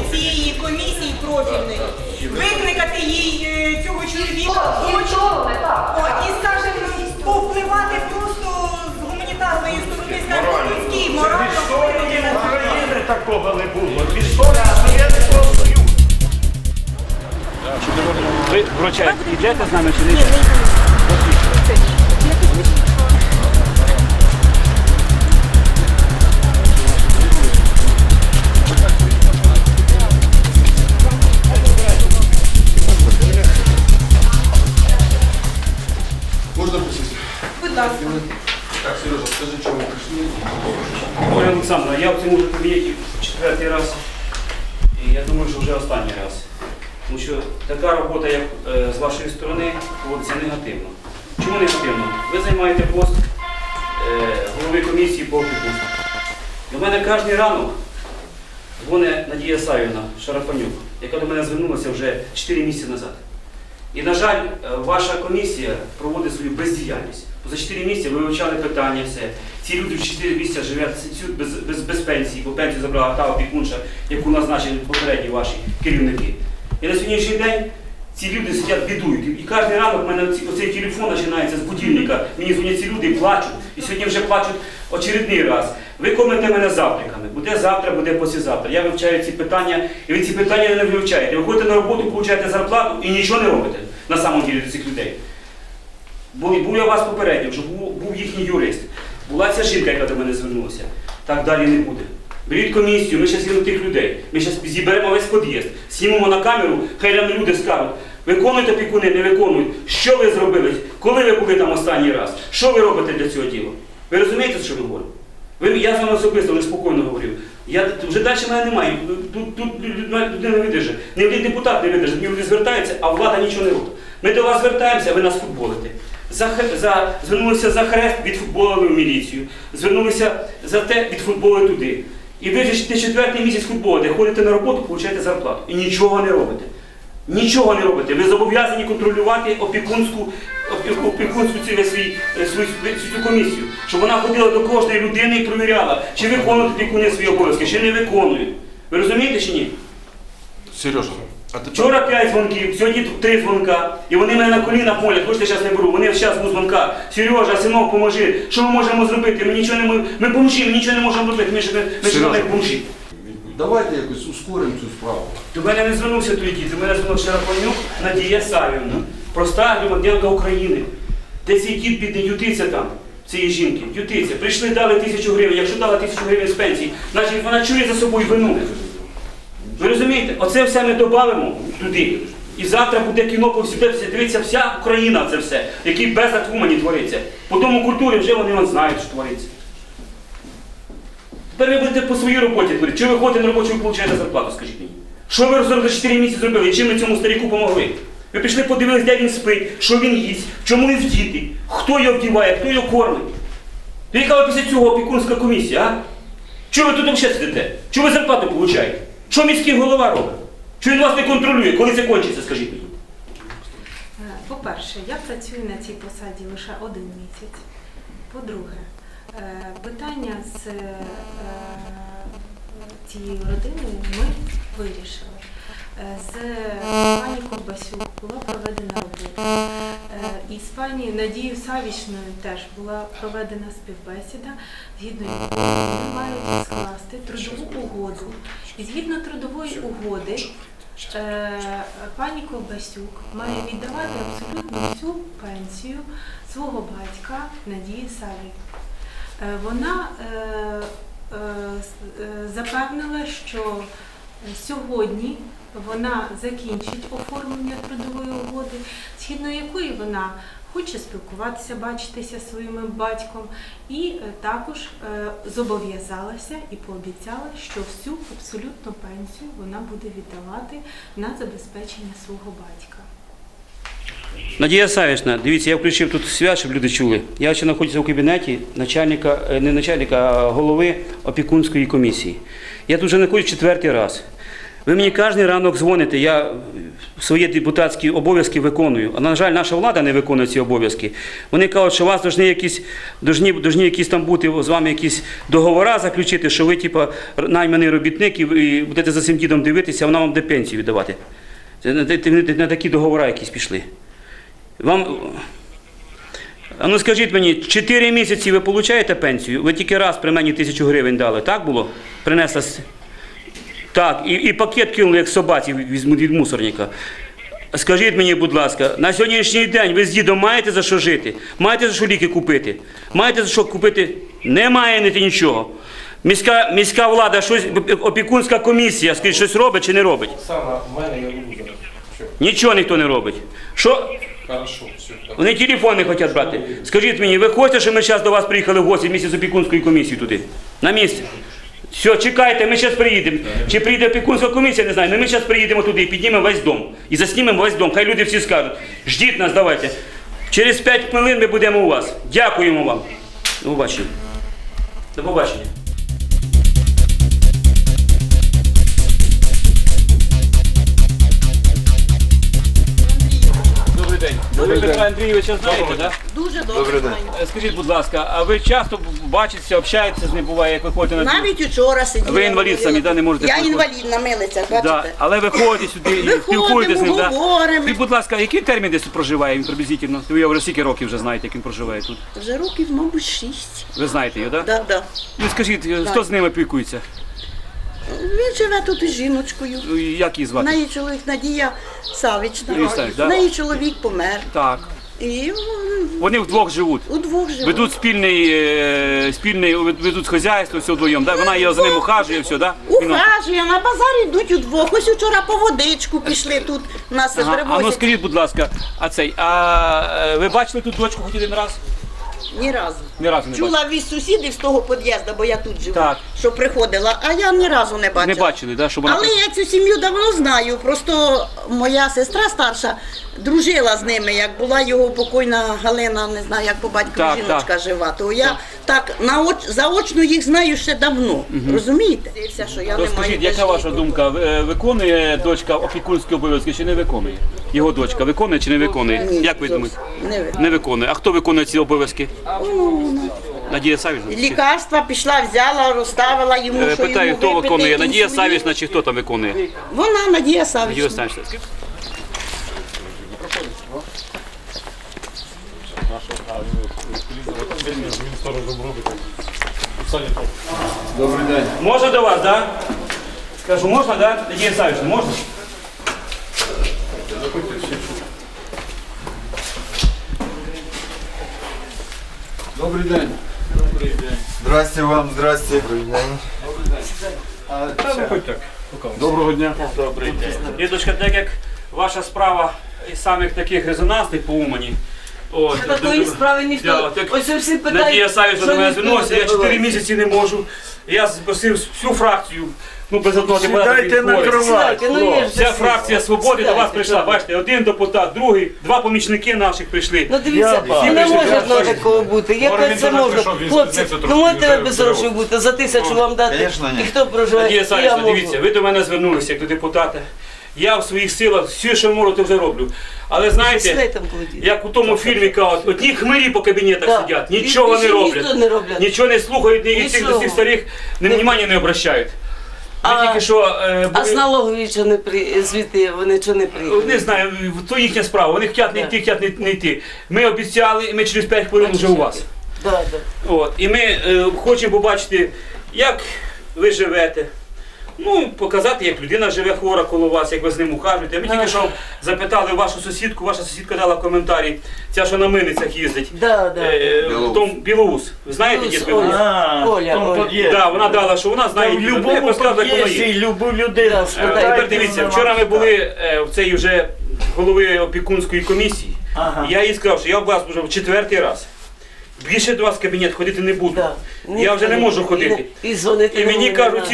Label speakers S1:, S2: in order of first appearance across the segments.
S1: цієї комісії профільної, викликати їй цього чоловіка і, скажімо, повпливати просто з гуманітарної сторони, скажімо, людській, морально.
S2: України такого не було. В історії Совєтського Союзу. Ви, вручаєте, йдете з нами чи не йдете?
S3: Можна присісти?
S1: Будь ласка.
S3: Так, Сережа, скажи, чому ви прийшли?
S2: Оля Олександровна, я в цьому кабінеті четвертий раз, і я думаю, що вже останній раз. Тому що така робота, як з вашої сторони, проводиться негативно. Чому негативно? Ви займаєте пост голови комісії по опікунству. До мене кожен ранок дзвонить Надія Савівна Шарафанюк, яка до мене звернулася вже 4 місяці назад. І, на жаль, ваша комісія проводить свою бездіяльність. За 4 місяці ви вивчали питання, все. Ці люди в 4 місяці живуть без пенсії, бо пенсію забрала та опікунша, яку назначили попередні ваші керівники. І на сьогоднішній день ці люди сидять, бідують. І кожен ранок в мене оцей телефон починається з будильника. Мені дзвонять ці люди і плачуть. І сьогодні вже плачуть очередний раз. Ви кормите мене завтраками. Буде завтра, буде післязавтра. Я вивчаю ці питання, і ви ці питання не вивчаєте. Ви ходите на роботу, получаєте зарплату і нічого не робите на самом деле до цих людей. Був я вас попередньо, що був їхній юрист. Була ця жінка, яка до мене звернулася. Так далі не буде. Беріть комісію, ми зараз їдемо тих людей. Ми зараз зіберемо весь під'їзд, знімемо на камеру, хай нам люди скажуть, виконуєте опікуни, не виконують. Що ви зробили? Коли ви були там останній раз? Що ви робите для цього діла? Ви розумієте, що я говорю? Я з вами особисто вже спокійно говорив. Вже далі мене немає. Тут людина не видержить. Ні один депутат не видержить, ні люди звертаються, а влада нічого не робить. Ми до вас звертаємося, а ви нас футболите. Звернулися за хрест, відфутболили в міліцію. Звернулися за те, відфутболили туди. І ви вже 4-й місяць футболите, ходите на роботу, получаєте зарплату. І нічого не робите. Нічого не робите. Ви зобов'язані контролювати опікунську цю комісію. Щоб вона ходила до кожної людини і перевіряла, чи виконують опікуни свої обов'язки, чи не виконують. Ви розумієте чи ні?
S3: Сережа, а ти
S2: Вчора 5 дзвонків, сьогодні 3 дзвонка. І вони мене на колінах молять, хочете, зараз не беру. Вони зараз був дзвонка. Сережа, синок, поможи. Що ми можемо зробити? Ми нічого не можемо. Ми бомжі, ми нічого не можемо робити. Ми ж не бомжі.
S3: давайте якось ускоримо цю справу.
S2: До мене не звернувся той дід, до мене звернувся Шарафанюк Надія Савівна, проста громадянка України. Де цей дід бідний ютиться там, цієї жінки, ютиться. Прийшли, дали 1000 гривень, якщо дали 1000 гривень з пенсії, значить вона чує за собою вину. Ви розумієте? Оце все ми додамо туди. І завтра буде кіно по всій, дивиться вся Україна це все, який безлад в Умані твориться. По тому культурі вже вони знають, що твориться. Тепер ви будете по своїй роботі творити. Чи ви ходите на роботу, чи ви отримуєте зарплату, скажіть мені? Що ви за 4 місяці зробили? І чим ви цьому старіку помогли? Ви пішли, подивились, де він спить, що він їсть, в чому він вдітий, хто його вдіває, хто його кормить. То яка ви після цього опікунська комісія, а? Чого ви тут взагалі сидите? Чого ви зарплату отримуєте? Що міський голова робить? Чого він вас не контролює? Коли це кончиться, скажіть мені?
S4: По-перше, я працюю на цій посаді лише 1 місяць. По-друге, питання з цією родиною ми вирішили. З пані Ковбасюк була проведена робота. І з пані Надією Савічною теж була проведена співбесіда, згідно якої вони мають скласти трудову угоду. І згідно трудової угоди, пані Ковбасюк має віддавати абсолютно всю пенсію свого батька Надії Саві. Вона запевнила, що сьогодні вона закінчить оформлення трудової угоди, згідно якої вона хоче спілкуватися, бачитися зі своїм батьком, і також зобов'язалася і пообіцяла, що всю абсолютну пенсію вона буде віддавати на забезпечення свого батька.
S2: Надія Савічна, дивіться, я включив тут свят, щоб люди чули. Я ще знаходжуся в кабінеті голови опікунської комісії. Я тут вже знаходжусь 4-й раз. Ви мені кожен ранок дзвоните, я свої депутатські обов'язки виконую. А, на жаль, наша влада не виконує ці обов'язки. Вони кажуть, що у вас повинні якісь там бути з вами якісь договори заключити, що ви, типу, найманий робітник і будете за цим дідом дивитися, а вона вам буде пенсію віддавати. Це на такі договори якісь пішли. А ну скажіть мені, 4 місяці ви отримуєте пенсію? Ви тільки раз при мені 1000 гривень дали, так було? Принесла. Так, і пакет кинули, як собаці від мусорника. Скажіть мені, будь ласка, на сьогоднішній день ви з дідом маєте за що жити? Маєте за що ліки купити? Маєте за що купити? Не маєте нічого. Міська влада, щось, опікунська комісія, скажіть, щось робить чи не робить?
S3: Саме в мене я буду зараз. Що?
S2: Нічого ніхто не робить. Що?
S3: Хорошо, все.
S2: Вони телефон не хочуть брати. Скажіть мені, ви хочете, щоб ми зараз до вас приїхали в гості вместе з опікунською комісією туди? На місці? Все, чекайте, ми зараз приїдемо. Чи прийде опікунська комісія, не знаю, але ми зараз приїдемо туди і піднімемо весь дом. І заснімемо весь дом. Хай люди всі скажуть. Ждіть нас, давайте. Через 5 хвилин ми будемо у вас. Дякуємо вам. До побачення. До побачення. Добрий день. Ви Петра Андрійовича знаєте, так?
S5: Дуже добре знаю.
S2: Скажіть, будь ласка, а ви часто бачитеся, общаєтеся з ним, буває, як ви ходите на
S5: Навіть учора сиділа.
S2: Ви інвалід самі, да, не можете
S5: Я
S2: приходити?
S5: інвалід на милицях,
S2: Да.
S5: бачите?
S2: Але ви ходите сюди і
S5: Виходимо,
S2: спілкуєтеся з ним. Да?
S5: говоримо.
S2: І, будь ласка, який термін десь тут проживає він приблизительно? Ви його вже скільки років вже знаєте, як він проживає тут?
S5: Вже років, мабуть, 6.
S2: Ви знаєте його, так? Да?
S5: Да.
S2: Ну скажіть, хто з ним опікується?
S5: Він живе тут із жіночкою.
S2: Як її
S5: В
S2: звати?
S5: неї чоловік Надія Савічна.
S2: Надія Савіч, да?
S5: В неї чоловік помер.
S2: Так.
S5: І
S2: Вони вдвох живуть.
S5: удвох живуть.
S2: Ведуть спільний ведуть хазяйство, все вдвоєм, да? Вона його за ним ухажує, все, да?
S5: Ухажує, на базарі йдуть удвох. Ось вчора по водичку пішли тут. Нас
S2: Ага. А ну
S5: привозять.
S2: скажіть, будь ласка, ви бачили тут дочку хоч один раз?
S5: Ні разу.
S2: Ні разу не бачили.
S5: Чула від сусідів з того під'їзду, бо я тут живу,
S2: Так.
S5: що приходила, а я ні разу не бачила.
S2: Не бачили, да? Щоб вона...
S5: Але я цю сім'ю давно знаю. Просто моя сестра старша дружила з ними, як була його покойна Галина, не знаю, як по батькові
S2: Так,
S5: жіночка
S2: так.
S5: жива. То я так заочно їх знаю ще давно. Розумієте? Все, що я
S2: То
S5: не маю
S2: скажіть,
S5: де
S2: яка ваша
S5: жити.
S2: думка? Виконує дочка опікунські обов'язки чи не виконує? Його дочка виконує чи не виконує?
S5: Ні,
S2: Як ви
S5: зовсім
S2: думаєте?
S5: не ви.
S2: Не виконує. А хто виконує ці обов'язки? Надія Савічна?
S5: Лікарства пішла, взяла, розставила йому, що
S2: Питаю,
S5: йому
S2: хто
S5: випити,
S2: виконує? Надія
S5: інсулін.
S2: Савічна чи хто там виконує?
S5: Вона, Надія Савічна.
S2: Надія Савічна.
S3: Добрий день.
S2: Можна до вас, так? Скажу, можна, так? Надія Савічна, можна?
S3: Добрий день.
S6: Здрасте вам, здрасте.
S3: Доброго дня.
S2: Дідочка, так як ваша справа із самих таких резонансних по Умані. От,
S7: Такої справи ніхто.
S2: так,
S7: Ось всі питають,
S2: Надія Савічна до мене
S7: ніхто
S2: звернулася,
S7: не
S2: я 4
S7: добивається.
S2: місяці не можу. Я запросив всю фракцію, без одного депутата.
S6: Сідайте на
S2: хворих.
S6: кровать.
S7: Сідайте, ну, є ж
S2: Вся
S7: всі.
S2: фракція свободи до вас прийшла. Бачите, один депутат, другий, 2 помічники наших прийшли.
S7: Ну дивіться,
S6: Я
S7: не
S2: бачу.
S7: може одного такого бути. Як це можна? Хлопці, ну можете ви без грошей бути, за 1000 вам дати.
S6: Конечно, ні.
S7: І хто проживає?
S2: Надія
S7: І я
S2: Савічна,
S7: можу.
S2: дивіться, ви до мене звернулися як до депутата. Я в своїх силах все, що можу, то вже роблю. Але знаєте,
S7: Сідай там, Володя.
S2: як у тому фільмі кажуть, одні хмирі по кабінетах
S7: Да.
S2: сидять, нічого
S7: Більше
S2: не роблять.
S7: ніхто не роблять.
S2: Нічого не слухають, ні від цих до
S7: Нічого.
S2: цих старих внимання не обращають. Ми
S7: А-
S2: тільки що
S7: А з налогові що не звідти, вони чого не приїхали?
S2: не знаю, то їхня справа. Вони хочуть не йти, хочуть не йти. Ми обіцяли, і ми через 5 хвилин вже у вас.
S7: Да, да.
S2: От, і ми хочемо побачити, як ви живете. Ну, показати, як людина живе хвора коло вас, як ви з ним ухажуєте. Ми тільки що запитали вашу сусідку, ваша сусідка дала коментарі, ця, що на мильницях їздить.
S7: Да, да.
S2: В тому Білоус. Ви знаєте,
S7: Білоус,
S2: дід Білоус?
S7: Оля. Оля, Оля.
S2: Да, вона дала, що вона знає,
S6: В
S2: як
S6: любому
S2: розказати, як воно є.
S6: під'їзді любу людину
S7: Да,
S6: спитайте.
S2: Тепер дивіться, вчора ми були в цій вже голови опікунської комісії.
S6: Ага.
S2: І я їй сказав, що я у вас вже в 4-й раз. Більше до вас в кабінет ходити не буду.
S7: Да.
S2: Я вже не можу ходити.
S7: І дзвонити
S2: І мені
S7: не
S2: кажуть,
S7: можна.
S2: ці вже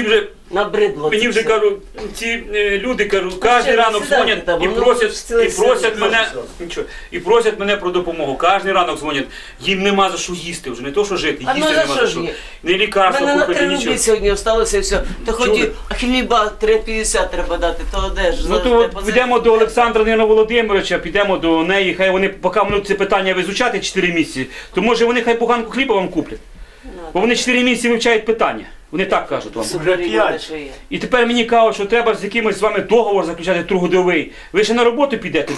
S7: Набридло.
S2: Мені
S7: це
S2: вже
S7: все.
S2: кажу, ці люди кажу, кожен
S7: ще
S2: ранок
S7: сідайте
S2: дзвонять
S7: там,
S2: і
S7: воно
S2: просять
S7: все
S2: мене, нічого, і просять мене про допомогу. Кожен ранок дзвонять, їм нема за що їсти вже, не то що жити,
S7: А ну
S2: їсти
S7: за
S2: нема
S7: що
S2: за
S7: ж
S2: що.
S7: ні?
S2: Не лікарство
S7: Мене на
S2: купити,
S7: 3
S2: нічого.
S7: рублі сьогодні осталося і все. То хоч
S2: Чули?
S7: хліба 3,50 треба дати, то де ж?
S2: Ну то от підемо до Олександра Нина Володимировича, підемо до неї, хай вони, поки будуть це питання визучати 4 місяці, то може вони хай буханку хліба вам куплять. Бо вони 4 місяці вивчають питання. Вони так кажуть вам.
S7: Вже 5.
S2: І тепер мені кажуть, що треба з якимось з вами договор заключати трудовий. Ви ще на роботу підете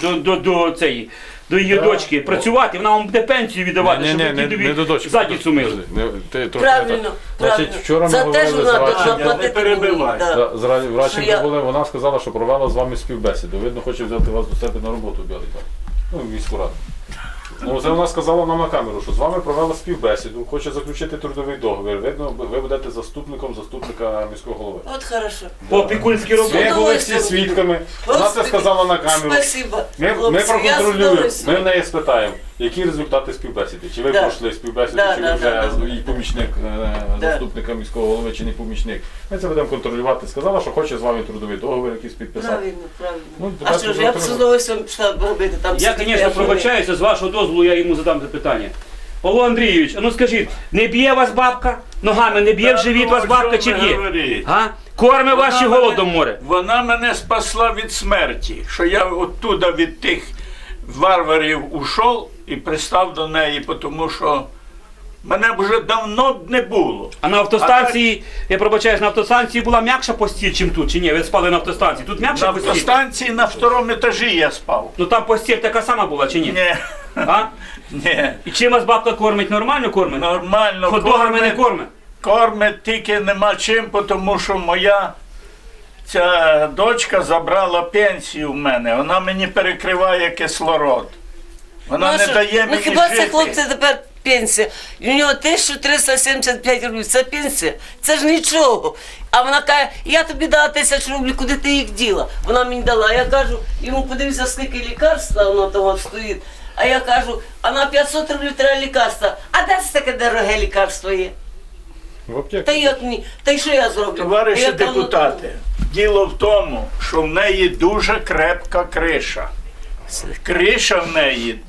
S2: до її дочки працювати, вона вам буде пенсію віддавати, щоб ви дідові задницю мили.
S7: Правильно,
S3: Значить, вчора ми
S7: За те ж
S3: говорили з
S7: вона
S3: Радченко.
S7: должна платити мені. Да.
S3: В Радченко
S7: я-
S3: були, вона сказала, що провела з вами співбесіду. Видно, хоче взяти вас до себе на роботу, Білий так. Ну, в міську раду. Ну, це вона сказала нам на камеру, що з вами провела співбесіду, хоче заключити трудовий договір. Видно, ви будете заступником заступника міського голови.
S7: От хорошо.
S2: По опікунській роботі.
S3: Ми були всі свідками, вона це сказала на камеру.
S7: Спасибо.
S3: Ми
S7: Хлопці, я
S3: проконтролюємо,
S7: здоров'я.
S3: ми в неї спитаємо, які результати співбесіди. Чи ви
S7: Да.
S3: пройшли співбесіду,
S7: Да,
S3: чи
S7: да,
S3: ви вже
S7: да.
S3: і помічник заступника міського голови, чи не помічник. Ми це будемо контролювати. Сказала, що хоче з вами трудовий договір якийсь підписати.
S7: Правильно, правильно.
S3: Ну,
S7: А що ж, я б з удовольствием пішла б робити там.
S2: Я, звісно, пробачаюся, з вашого дозволу я йому задам запитання. Павло Андрійович, а ну скажіть, не б'є вас бабка? Ногами не б'є в живіт вас бабка чи б'є? А? Корме вас чи голодом море?
S8: Вона мене спасла від смерті, що я оттуда від тих варварів ушов і пристав до неї, тому що мене б вже давно не було.
S2: А на автостанції, я пробачаюсь, на автостанції була м'якша постіль, чим тут, чи ні? Ви спали на автостанції. Тут
S8: На
S2: м'якша постіль?
S8: автостанції на 2-му етажі я спав.
S2: Ну там постіль така сама була, чи ні?
S8: Ні,
S2: А?
S8: ні,
S2: І чим вас бабка кормить? Нормально кормить?
S8: нормально
S2: Хот-догами не кормить?
S8: кормить, тільки нема чим, тому що моя ця дочка забрала пенсію в мене. Вона мені перекриває кислород. Вона не дає
S7: Ну
S8: мені
S7: хіба
S8: жити.
S7: це хлопці тепер пенсія? У нього 1375 рублів, це пенсія, це ж нічого. А вона каже, я тобі дала 1000 рублів, куди ти їх діла? Вона мені дала. Я кажу, йому подивився, скільки лікарства воно того стоїть. А я кажу, а на 500 рублів треба лікарства. А де це таке дороге лікарство є?
S3: В аптеці.
S7: Та як мені? Та й що я зроблю?
S8: Товариші
S7: Я давно-
S8: депутати, діло в тому, що в неї дуже крепка криша. Криша в неї,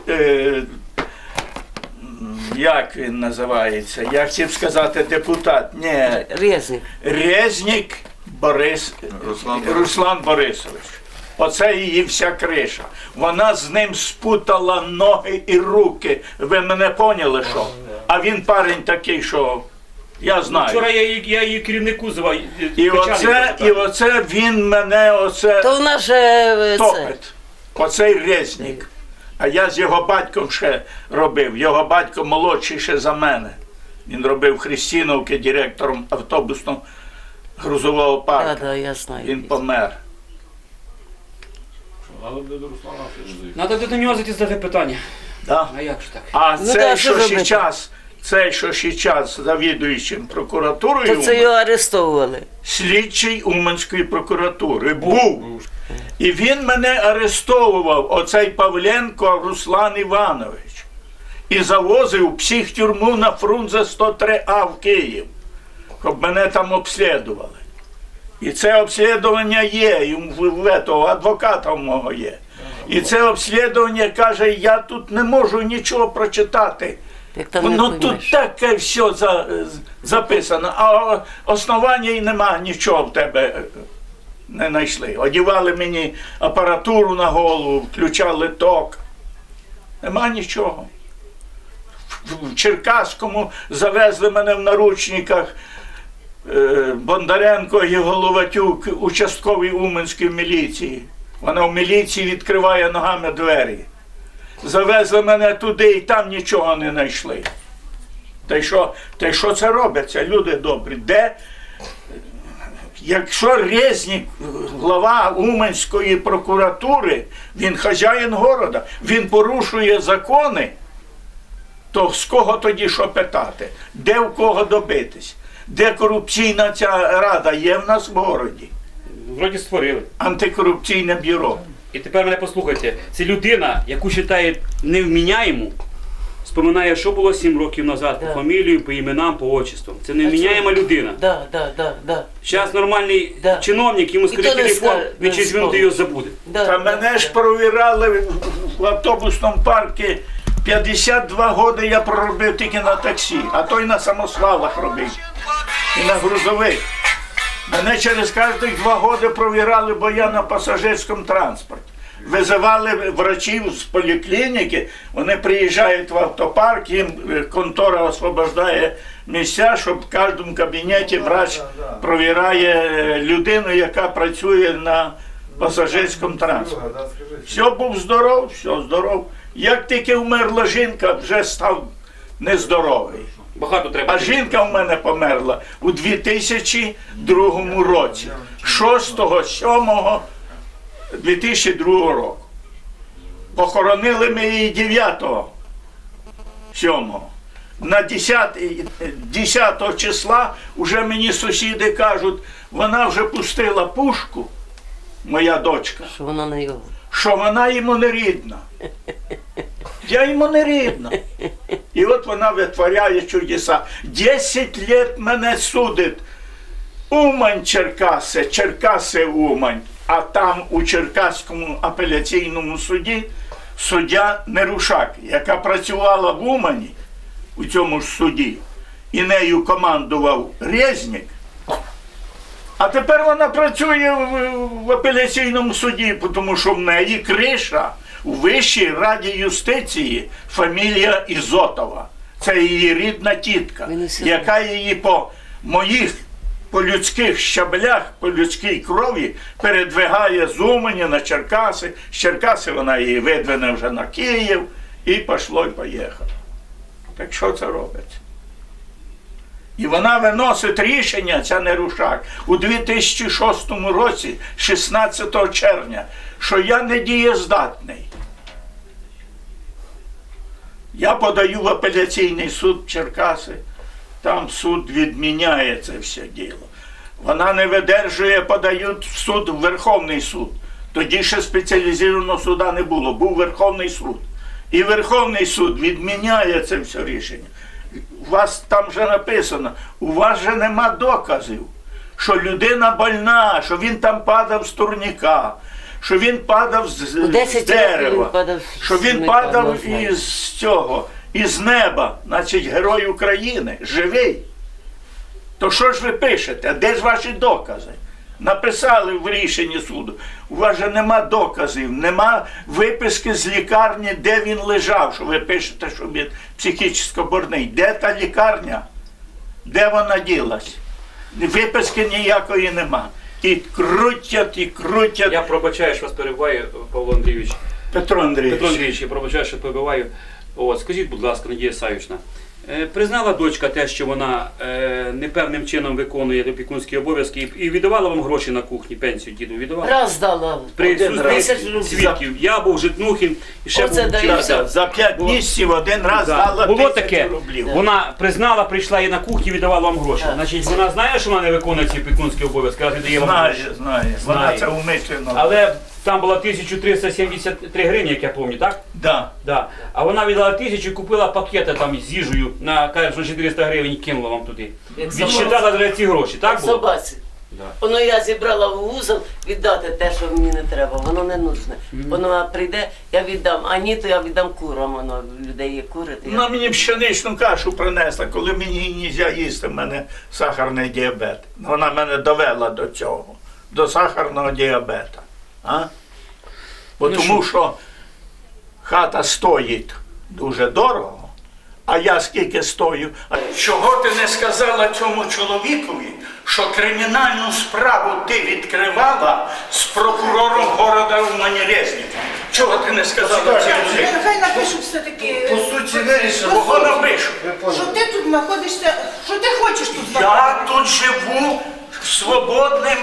S8: як він називається? Я хотів сказати депутат. Ні,
S7: Резник.
S8: Резнік Руслан Борисович. Оце її вся криша. Вона з ним спутала ноги і руки. Ви мене поняли, що? А він парень такий, що я знаю.
S2: Вчора я її керівнику звав.
S8: І оце він мене
S7: То вона ж це.
S8: топить. Оцей Резнік. А я з його батьком ще робив. Його батько молодший ще за мене. Він робив в Христіновці директором автобусного грузового парку.
S7: Да, я знаю.
S8: Він помер.
S3: Але до Руслана все не
S2: Треба до нього задати питання.
S8: Да?
S2: А як ж так?
S8: А
S7: Ну,
S8: цей,
S7: так, що
S8: що ще
S7: робити?
S8: час, цей, що ще час завідуючим прокуратурою,
S7: То це його арестовували.
S8: слідчий Уманської прокуратури був. І він мене арестовував, оцей Павленко Руслан Іванович. І завозив в психтюрму на Фрунзе 103А в Київ, щоб мене там обслідували. І це обслідування є, і в того адвоката в мого є. І це обслідування каже, я тут не можу нічого прочитати.
S7: Як там не
S8: Ну
S7: поймеш.
S8: тут таке все записано, а основання і нема, нічого в тебе не знайшли. Одівали мені апаратуру на голову, включали ток. Нема нічого. В Черкаському завезли мене в наручниках Бондаренко і Головатюк, участковий Уманської міліції. Вона в міліції відкриває ногами двері. Завезли мене туди і там нічого не знайшли. Та й що це робиться, люди добрі? Де? Якщо Резнік, глава Уманської прокуратури, він хазяїн города, він порушує закони, то з кого тоді що питати? Де в кого добитись? Де корупційна ця рада є в нас в городі?
S2: Вроді створили.
S8: Антикорупційне бюро.
S2: І тепер мене послухайте. Це людина, яку вважають невміняєму, споминає, що було 7 років назад,
S7: Да.
S2: по фамілію, по іменам, по отчествам. Це
S7: А
S2: невміняєма
S7: чому?
S2: людина.
S7: Да.
S2: Зараз нормальний
S7: Да.
S2: чиновник, йому
S7: І
S2: скаже
S7: то не
S2: телефон,
S7: скаже,
S2: він
S7: не
S2: через минуту
S7: вспомнить.
S2: його забуде.
S8: Та мене ж провірали в автобусному парку. 52 роки я проробив тільки на таксі, а то й на самосвалах робив. І на грузових. Мене через кожні 2 роки провірали, бо я на пасажирському транспорті. Визивали врачів з поліклініки, вони приїжджають в автопарк, їм контора освобождає місця, щоб в кожному кабінеті врач провіряє людину, яка працює на пасажирському транспорті. Все, був здоров, все здоров. Як тільки вмерла жінка, вже став нездоровий.
S2: Багато треба.
S8: А жінка в мене померла у 2002 році, 6.7.2002 року. Похоронили ми її 9.7. На 10 числа вже мені сусіди кажуть, вона вже пустила пушку, моя дочка,
S7: Що вона не його.
S8: що вона йому не рідна. Я йому не рідна. І от вона витворяє чудеса. 10 лет мене судить. Умань, Черкаси, Черкаси, Умань. А там у Черкаському апеляційному суді суддя Нерушак, яка працювала в Умані у цьому ж суді, і нею командував Резнік. А тепер вона працює в апеляційному суді, тому що в неї криша у Вищій раді юстиції фамілія Ізотова. Це її рідна тітка, яка її по моїх, по людських щаблях, по людській крові передвигає з Умані на Черкаси. З Черкаси вона її видвине вже на Київ і пішло і поїхало. Так що це робиться? І вона виносить рішення, ця Нерушак, у 2006 році, 16 червня, що я не дієздатний. Я подаю в апеляційний суд в Черкаси, там суд відміняє це все діло. Вона не видержує, подають в суд, в Верховний суд. Тоді ще спеціалізованого суда не було, був Верховний суд. І Верховний суд відміняє це все рішення. У вас там вже написано, у вас же нема доказів, що людина больна, що він там падав з турніка, що він падав з
S7: 10 років
S8: дерева,
S7: він падав
S8: що
S7: з
S8: він
S7: турніка,
S8: падав
S7: не знаю.
S8: із цього, із неба, значить герой України, живий. То що ж ви пишете? Де ж ваші докази? Написали в рішенні суду. У вас же нема доказів, нема виписки з лікарні, де він лежав, що ви пишете, що він психічно больний. Де та лікарня? Де вона ділась? Виписки ніякої нема. І крутять, і крутять.
S2: Я пробачаю, що вас перебиваю, Павло Андрійович.
S8: Петро Андрійович.
S2: Петро Андрійович, я пробачаю, що перебиваю. От, скажіть, будь ласка, Надія Савічна, признала дочка те, що вона непевним чином виконує опікунські обов'язки і віддавала вам гроші на кухні, пенсію діду віддавала?
S7: Раз дала.
S2: При
S7: 1000 рублів.
S2: свідків. Я був Житнухін і ще
S7: Оце
S2: був
S7: дає.
S2: Черкасян.
S8: За 5 місяців один раз
S2: Да.
S8: дала
S2: Було
S8: 1000
S2: таке,
S8: рублів.
S2: вона признала, прийшла і на кухні віддавала вам гроші.
S7: Так.
S2: Значить, вона знає, що вона не виконує ці опікунські обов'язки, раз віддає вам гроші.
S8: Знає. Вона
S2: Знає.
S8: це умишлено.
S2: Але там було 1373 гривні, як я пам'ятаю, так?
S8: Да.
S2: Да. А вона віддала 1000 і купила пакети там з їжею на, каже, що 400 гривень і кинула вам туди.
S7: Як
S2: Відсчитала за ці гроші, так було?
S7: Собаці.
S2: Да.
S7: Воно я зібрала в вузол віддати те, що мені не треба. Воно не нужне. Воно прийде, я віддам. А ні, то я віддам курам. Воно в людей є кури. то я-
S8: Вона мені пшеничну кашу принесла, коли мені не можна їсти, в мене сахарний діабет. Вона мене довела до цього, до сахарного діабета. А? Бо тому що хата стоїть дуже дорого, а я скільки стою. Чого ти не сказала цьому чоловікові, що кримінальну справу ти відкривала з прокурором города Умані Резніком? Чого ти не сказала цьому?
S1: Нехай напишуть все-таки,
S6: По суті, вирішили.
S8: Кого напишу?
S1: що ти тут знаходишся, що ти хочеш тут знаходитися.
S8: Я тут живу свободним,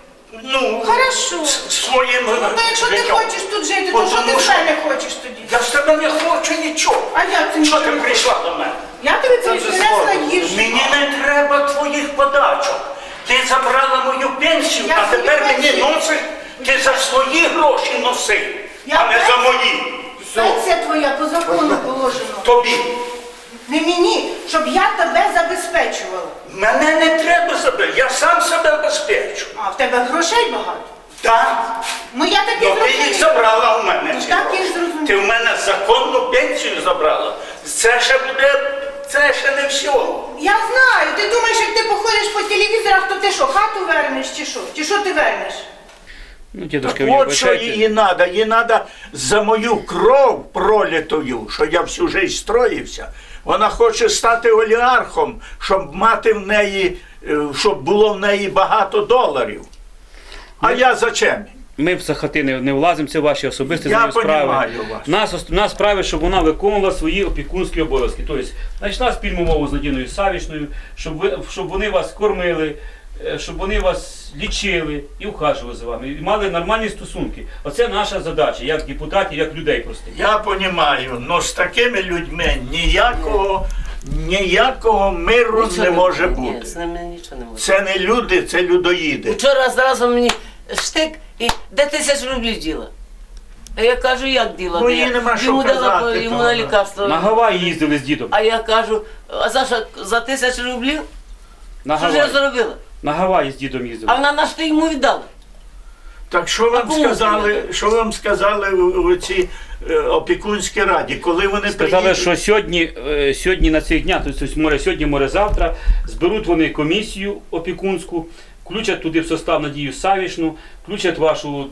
S8: ну,
S1: Хорошо.
S8: своїм
S1: Ну, то якщо ти
S8: життям.
S1: хочеш тут жити, то що ти
S8: Тому
S1: з мене хочеш тоді?
S8: Я з тебе не хочу нічого.
S1: А я це
S8: Що ти
S1: нічого.
S8: прийшла до мене?
S1: Я тобі принесла їжу.
S8: Мені не треба твоїх подачок. Ти забрала мою пенсію,
S1: Я
S8: а
S1: свою
S8: тепер мені
S1: пенсію-
S8: носиш, ти за свої гроші носи,
S1: Я
S8: а не за
S1: пенсію-
S8: мої.
S1: Пенсія твоя по закону положено.
S8: Тобі.
S1: Не мені, щоб я тебе забезпечувала.
S8: Мене не треба себе, я сам себе обезпечу.
S1: А в тебе грошей багато.
S8: Так?
S1: Ну я так і
S8: Ну ти їх
S1: зрозуміла.
S8: забрала у мене.
S1: Ну,
S8: ці
S1: так
S8: гроші.
S1: я ж зрозуміла.
S8: Ти в мене законну пенсію забрала. Це ще буде, це ще не все.
S1: Я знаю, ти думаєш, як ти походиш по телевізорах, то ти що, хату вернеш чи що? Чи що ти вернеш?
S2: Ну,
S8: Так
S2: дедушка, ви
S8: от що
S2: вибачайте.
S8: їй треба. Їй треба за мою кров пролитою, що я всю життя строївся. Вона хоче стати олігархом, щоб мати в неї, щоб було в неї багато доларів. А я зачем?
S2: Ми в хати не влазимо, це ваші особисті
S8: Я
S2: з нею справи.
S8: понімаю вас.
S2: Нас справи, щоб вона виконувала свої опікунські обов'язки. Тобто, знайшла спільну мову з Надіною Савішною, щоб вони вас кормили, щоб вони вас лічили і ухажували за вами, і мали нормальні стосунки. Оце наша задача, як депутатів, як людей простих.
S8: Я розумію, але з такими людьми ніякого миру
S7: Нічого
S8: не може
S7: Ні,
S8: бути.
S7: з ними нічого не може.
S8: Це не люди, це людоїди.
S7: Вчора зразу мені штик і де 1000 рублів діла. А я кажу, як діла?
S8: Ну,
S7: Де
S8: їй
S7: я?
S8: нема що
S7: Йому дала
S8: казати,
S7: йому
S8: то
S7: на
S8: вона.
S7: лікарство.
S2: На Гаваї їздили з дідом.
S7: А я кажу, а за 1000 рублів?
S2: На
S7: Що ж я
S2: Гаваї.
S7: зробила?
S2: На Гаваї з дідом їздили.
S7: А вона на що йому віддала?
S8: Так що вам
S7: кому
S8: сказали,
S7: сказати?
S8: що вам сказали у цій опікунській раді, коли вони
S2: Сказали,
S8: приїдуть?
S2: що сьогодні на цих днях, тобто море сьогодні, море завтра, зберуть вони комісію опікунську, включать туди в состав Надію Савішну, включать вашу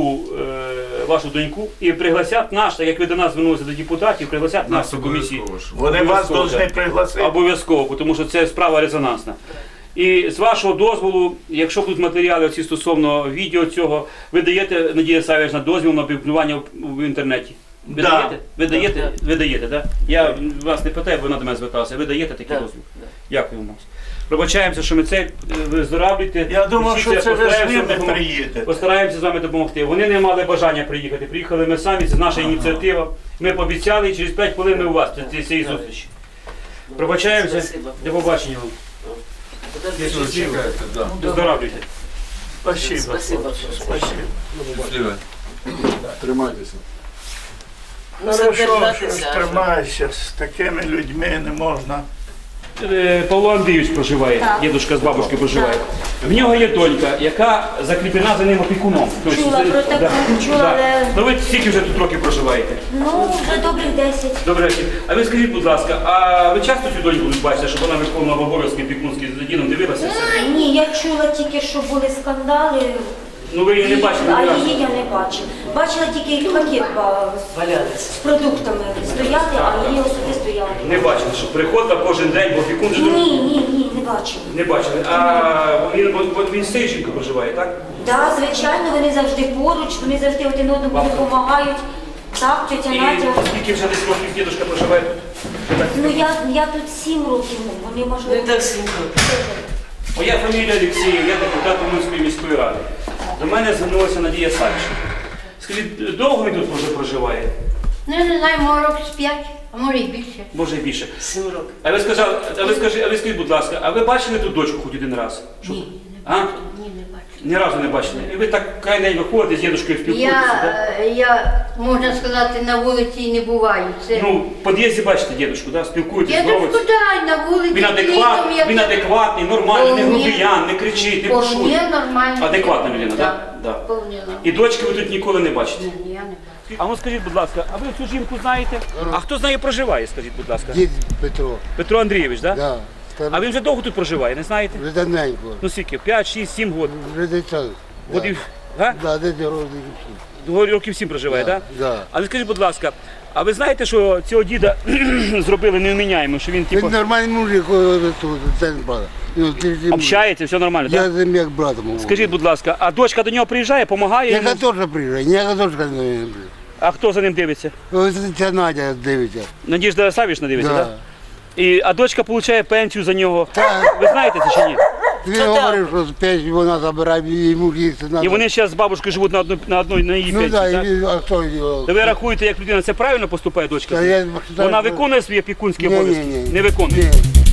S2: доньку і пригласять нас, так як ви до нас звернулися до депутатів, пригласять нас до комісії.
S8: Вони вас
S2: Обов'язково,
S8: повинні
S2: так.
S8: пригласити.
S2: Обов'язково, тому що це справа резонансна. І з вашого дозволу, якщо будуть матеріали всі стосовно відео цього, ви даєте, Надія Савішна, дозвіл на опублікування в інтернеті? Ви
S8: Да.
S2: даєте? Ви даєте?
S7: Да.
S2: Ви даєте, так? Я вас не питаю, бо вона до мене зверталася. Ви даєте такий
S7: Да.
S2: дозвіл? Дякую вам. Пробачаємося, що ми це виздоравлюєте.
S8: Я думав,
S2: Всі
S8: що це ви з
S2: постараємося
S8: ними
S2: допомогти.
S8: приїдете.
S2: Постараємося з вами допомогти. Вони не мали бажання приїхати. Приїхали ми самі, це наша ініціатива. Ми пообіцяли, і через 5 хвилин ми у вас після цієї зустрічі. Пробачаємося.
S7: Спасибо.
S2: До побачення вам.
S7: Подожди.
S2: Виздоравлюйте.
S8: Спасибо.
S7: Спасибо.
S8: Спасибо.
S3: Тримайтеся.
S7: Ну,
S8: Хорошо, що
S7: задержатися.
S8: ж тримаєшся, з такими людьми не можна.
S2: Павло Андрійович проживає, дідушка з бабушкою проживає. В нього є донька, яка закріплена за ним опікуном. Тобто,
S9: Чула про таку, чула, але-
S2: Ну ви скільки вже тут років проживаєте?
S9: Ну, вже добрих 10.
S2: Добре. А ви скажіть, будь ласка, а ви часто цю доньку бачите, щоб вона виконувала обов'язки опікунські за дідом, дивилася все?
S9: Ні, я чула тільки, що були скандали,
S2: Ну ви її не бачили
S9: а
S2: ні разу?
S9: її я не бачила. Бачила тільки пакет
S7: Валялися.
S9: з продуктами стояли, а її особисто я
S2: Не бачили, що приходила кожен день, бо опікун же
S9: Ні, не бачила.
S2: не бачили. А він з Сищенко проживає, так?
S9: Так, звичайно, вони завжди поруч, вони завжди один одному допомагають. Так, тетя
S2: І
S9: Надя.
S2: скільки вже десь років дідушка проживає тут?
S9: Ну я тут 7 років, вони
S7: Ну
S9: можливо.
S7: і так сім'ю.
S2: Моя фамілія Олексіїв, я депутат Уманської міської ради. До мене звернулася Надія Савішна. Скажіть, довго він тут вже проживає?
S10: Ну, я не знаю, може років з 5, а може і більше.
S2: Може і більше.
S7: 7 років.
S2: А ви скажіть, будь ласка, а ви бачили тут дочку хоч один раз? Щоб-
S10: Ні,
S2: А?
S10: не бачу.
S2: Ні разу не бачили. І ви так край день виходите з дідушкою спілкуєтеся, так?
S10: Я, можна сказати, на вулиці не буваю. Це...
S2: Ну, в під'їзді бачите дідушку, так? Спілкуєтесь,
S10: Я
S2: здороваєтесь.
S10: тут дай на вулиці.
S2: Він адекватний, нормальний, не грубиян, не кричить, не пошує.
S10: Вполне нормально.
S2: Адекватна людина, так? Да.
S10: Вполне нормально.
S2: І дочки ви тут ніколи не бачите.
S10: Ні, я не бачу.
S2: А ну скажіть, будь ласка, а ви цю жінку знаєте? А хто з нею проживає, скажіть, будь ласка?
S11: Дід Петро,
S2: Петро Андрійович, так?
S11: да.
S2: А він вже довго тут проживає, не знаєте?
S11: Вже давненько.
S2: Ну скільки? 5, 6, 7 років.
S11: Вже дитя.
S2: Годів, га?
S11: Да, десь років.
S2: Років 7 проживає, так?
S11: Да.
S2: Але скажіть, будь ласка, а ви знаєте, що цього діда зробили невміняємо, що він типу
S11: Він нормальний мужик, тут, це не правда.
S2: общається, все нормально,
S11: Я
S2: так?
S11: з ним як братом говорю.
S2: Скажіть, будь ласка, а дочка до нього приїжджає, допомагає
S11: Яка
S2: йому?
S11: теж приїжджає, ніяка дочка не приїжджає.
S2: А хто за ним дивиться?
S11: Ось ця Надя дивиться.
S2: Надіжда Савішна дивиться,
S11: Да.
S2: так? А дочка отримує пенсію за нього.
S11: Так.
S2: Ви знаєте це чи ні?
S11: Він говорив, що з пенсії вона забирає, йому їсти треба.
S2: І вони зараз з бабушкою живуть на її
S11: Ну
S2: пенсії,
S11: так,
S2: так?
S11: а хто його?
S2: То ви рахуєте, як людина це правильно поступає, дочка?
S11: Та я
S2: Вона виконує свої опікунські
S11: Ні, ні,
S2: обов'язки?
S11: ні.
S2: Не виконує?
S11: Ні.